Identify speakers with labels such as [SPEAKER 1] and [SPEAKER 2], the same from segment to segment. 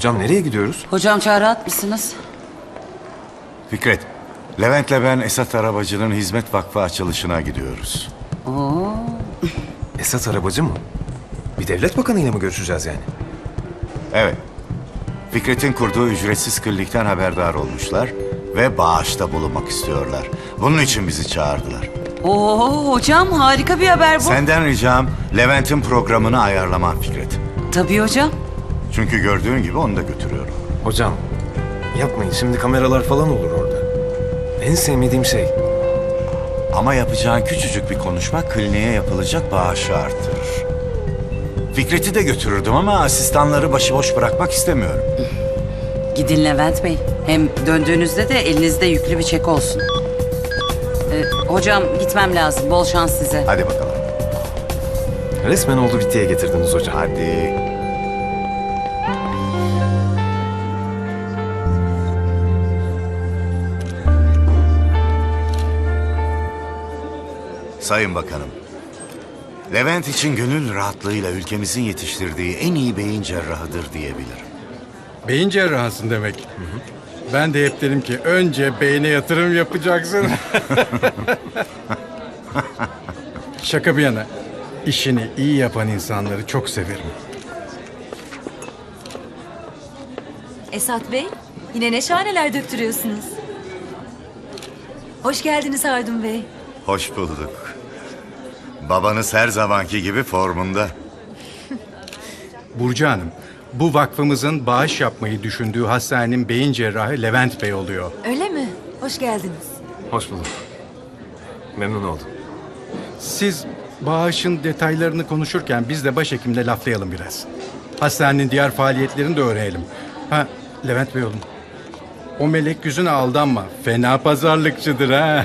[SPEAKER 1] Hocam nereye gidiyoruz?
[SPEAKER 2] Hocam çağrı atmışsınız.
[SPEAKER 3] Fikret, Levent'le ben Esat Arabacı'nın Hizmet Vakfı açılışına gidiyoruz.
[SPEAKER 2] Oo.
[SPEAKER 1] Esat Arabacı mı? Bir devlet bakanıyla mı görüşeceğiz yani?
[SPEAKER 3] Evet, Fikret'in kurduğu ücretsiz klinikten haberdar olmuşlar ve bağışta bulunmak istiyorlar. Bunun için bizi çağırdılar.
[SPEAKER 2] Oo hocam harika bir haber bu.
[SPEAKER 3] Senden ricam Levent'in programını ayarlaman Fikret.
[SPEAKER 2] Tabii hocam.
[SPEAKER 3] Çünkü gördüğün gibi onu da götürüyorum.
[SPEAKER 1] Hocam yapmayın, şimdi kameralar falan olur orada. En sevmediğim şey.
[SPEAKER 3] Ama yapacağın küçücük bir konuşma kliniğe yapılacak bağışı arttırır. Fikret'i de götürürdüm ama asistanları başıboş bırakmak istemiyorum.
[SPEAKER 2] Gidin Levent Bey. Hem döndüğünüzde de elinizde yüklü bir çek olsun. Hocam gitmem lazım. Bol şans size.
[SPEAKER 3] Hadi bakalım.
[SPEAKER 1] Resmen oldu bittiye getirdiniz hocam.
[SPEAKER 3] Hadi. Sayın Bakanım, Levent için gönül rahatlığıyla ülkemizin yetiştirdiği en iyi beyin cerrahıdır diyebilirim.
[SPEAKER 4] Beyin cerrahısın demek. Ben de hep dedim ki önce beyne yatırım yapacaksın. Şaka bir yana, işini iyi yapan insanları çok severim.
[SPEAKER 5] Esat Bey, yine ne şahaneler döktürüyorsunuz. Hoş geldiniz Hardun Bey.
[SPEAKER 3] Hoş bulduk. Babanız her zamanki gibi formunda.
[SPEAKER 4] Burcu Hanım, bu vakfımızın bağış yapmayı düşündüğü hastanenin beyin cerrahı Levent Bey oluyor.
[SPEAKER 5] Öyle mi? Hoş geldiniz.
[SPEAKER 1] Hoş bulduk. Memnun oldum.
[SPEAKER 4] Siz bağışın detaylarını konuşurken biz de başhekimle laflayalım biraz. Hastanenin diğer faaliyetlerini de öğrenelim. Ha, Levent Bey oğlum. O melek yüzüne aldanma. Fena pazarlıkçıdır ha.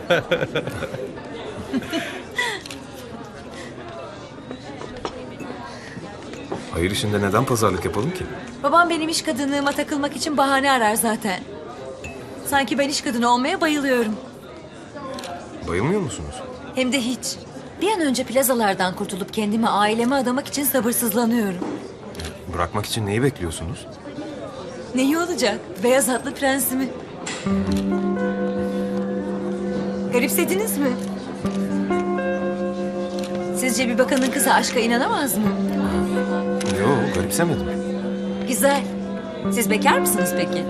[SPEAKER 1] Hayır işinde neden pazarlık yapalım ki?
[SPEAKER 5] Babam benim iş kadınlığıma takılmak için bahane arar zaten. Sanki ben iş kadını olmaya bayılıyorum.
[SPEAKER 1] Bayılmıyor musunuz?
[SPEAKER 5] Hem de hiç. Bir an önce plazalardan kurtulup kendimi aileme adamak için sabırsızlanıyorum.
[SPEAKER 1] Bırakmak için neyi bekliyorsunuz?
[SPEAKER 5] Ne iyi olacak? Beyaz atlı prensimi. Garipsediniz mi? Sizce bir bakanın kızı aşka inanamaz mı?
[SPEAKER 1] Yok, garipsemedim.
[SPEAKER 5] Güzel. Siz bekar mısınız peki?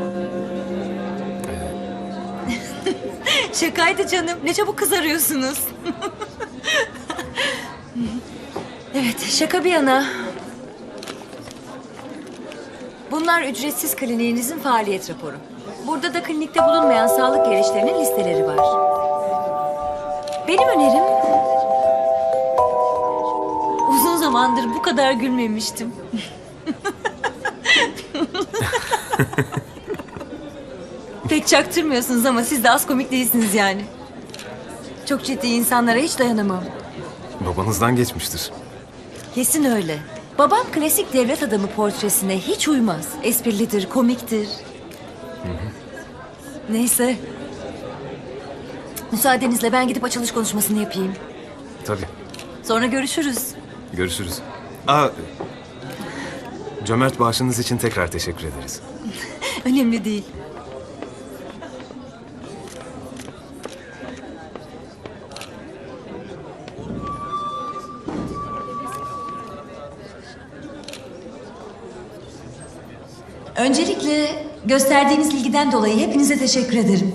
[SPEAKER 5] Şakaydı canım. Ne çabuk kızarıyorsunuz. Evet, şaka bir yana. Bunlar ücretsiz kliniğinizin faaliyet raporu. Burada da klinikte bulunmayan sağlık gereçlerinin listeleri var. Benim önerim... Uzun zamandır bu kadar gülmemiştim. Pek çaktırmıyorsunuz ama siz de az komik değilsiniz yani. Çok ciddi insanlara hiç dayanamam.
[SPEAKER 1] Babanızdan geçmiştir.
[SPEAKER 5] Kesin öyle. Babam klasik devlet adamı portresine hiç uymaz. Esprilidir, komiktir. Neyse. Müsaadenizle ben gidip açılış konuşmasını yapayım.
[SPEAKER 1] Tabii.
[SPEAKER 5] Sonra görüşürüz.
[SPEAKER 1] Görüşürüz. Cömert bağışınız için tekrar teşekkür ederiz.
[SPEAKER 5] Önemli değil. Öncelikle gösterdiğiniz ilgiden dolayı hepinize teşekkür ederim.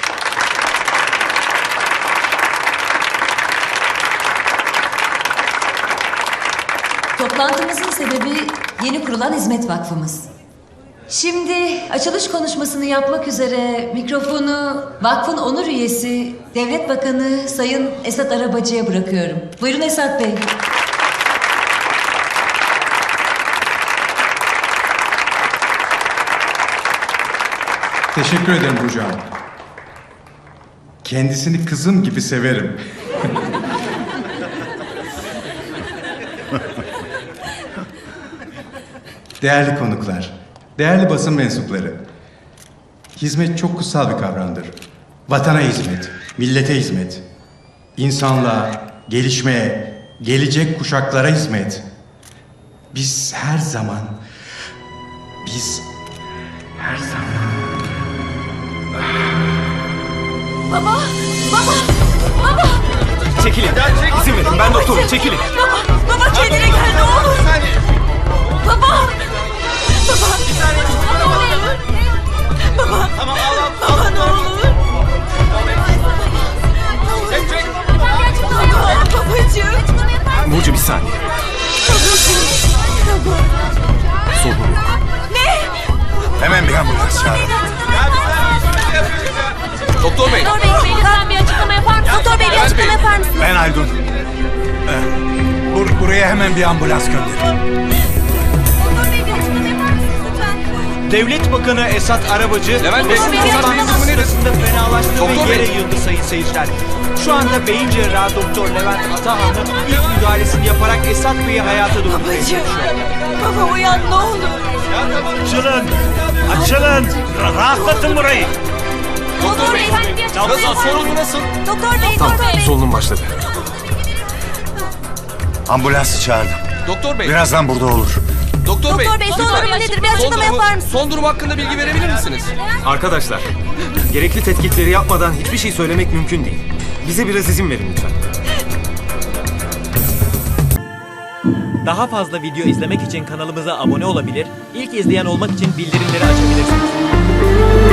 [SPEAKER 5] Toplantımızın sebebi yeni kurulan Hizmet Vakfımız. Şimdi açılış konuşmasını yapmak üzere mikrofonu vakfın onur üyesi Devlet Bakanı Sayın Esat Arabacı'ya bırakıyorum. Buyurun Esat Bey.
[SPEAKER 4] Teşekkür ederim Burcu Hanım. Kendisini kızım gibi severim. Değerli konuklar, değerli basın mensupları. Hizmet çok kutsal bir kavramdır. Vatana hizmet, millete hizmet. İnsanlığa, gelişmeye, gelecek kuşaklara hizmet. Biz her zaman
[SPEAKER 1] Biz her zaman...
[SPEAKER 5] Baba! Baba! Baba!
[SPEAKER 1] Çekilin. İzin verin. Ben doktorum. Çekilin.
[SPEAKER 5] Baba! Baba kendine gel ne olur! Baba! Baba! Baba!
[SPEAKER 6] Tamam al.
[SPEAKER 5] Baba ne olur!
[SPEAKER 6] Çek.
[SPEAKER 5] Baba! Babacığım!
[SPEAKER 1] Burcu bir saniye. Solun yok.
[SPEAKER 3] Hemen bir ambulans çağırın.
[SPEAKER 6] Doktor bey.
[SPEAKER 5] Doktor Bey lütfen bir açıklama yapar mısınız? Doktor Bey bir açıklama yapar mısınız?
[SPEAKER 3] Ben Aydın. Buraya hemen bir ambulans gönderin.
[SPEAKER 5] Doktor Bey bir açıklama yapar mısınız lütfen?
[SPEAKER 7] Devlet Bakanı Esat Arabacı,
[SPEAKER 6] Levent Bey,
[SPEAKER 7] basın
[SPEAKER 5] Doktor Bey,
[SPEAKER 7] toplantısı
[SPEAKER 5] durumu
[SPEAKER 6] nedir?
[SPEAKER 7] sırasında fenalaştı
[SPEAKER 6] Doktor
[SPEAKER 7] ve yere
[SPEAKER 6] Bey.
[SPEAKER 7] yığıldı sayın seyirciler. Şu anda beyin cerrahı Doktor Levent Atahan'ın ilk müdahalesini yaparak Esat Bey'i hayata döndürmeye çalışıyor.
[SPEAKER 5] Baba uyan ne olur.
[SPEAKER 3] Açılın! Açılın! Rahatlatın burayı!
[SPEAKER 5] Doktor Bey bir açıklama
[SPEAKER 6] Nasıl? Sorun nasıl?
[SPEAKER 5] Doktor Bey,
[SPEAKER 1] Tamam.
[SPEAKER 5] Doktor Bey.
[SPEAKER 1] Solunum başladı.
[SPEAKER 3] Ambulansı çağırdım.
[SPEAKER 6] Doktor bey.
[SPEAKER 3] Birazdan burada olur.
[SPEAKER 6] Doktor bey.
[SPEAKER 5] Doktor Bey son
[SPEAKER 6] lütfen.
[SPEAKER 5] durumu nedir? Bir
[SPEAKER 6] Son
[SPEAKER 5] açıklama
[SPEAKER 6] durumu-
[SPEAKER 5] yapar mısınız?
[SPEAKER 6] Son durum hakkında bilgi verebilir misiniz?
[SPEAKER 1] Arkadaşlar, gerekli tetkikleri yapmadan hiçbir şey söylemek mümkün değil. Bize biraz izin verin lütfen.
[SPEAKER 7] Daha fazla video izlemek için kanalımıza abone olabilir, ilk izleyen olmak için bildirimleri açabilirsiniz.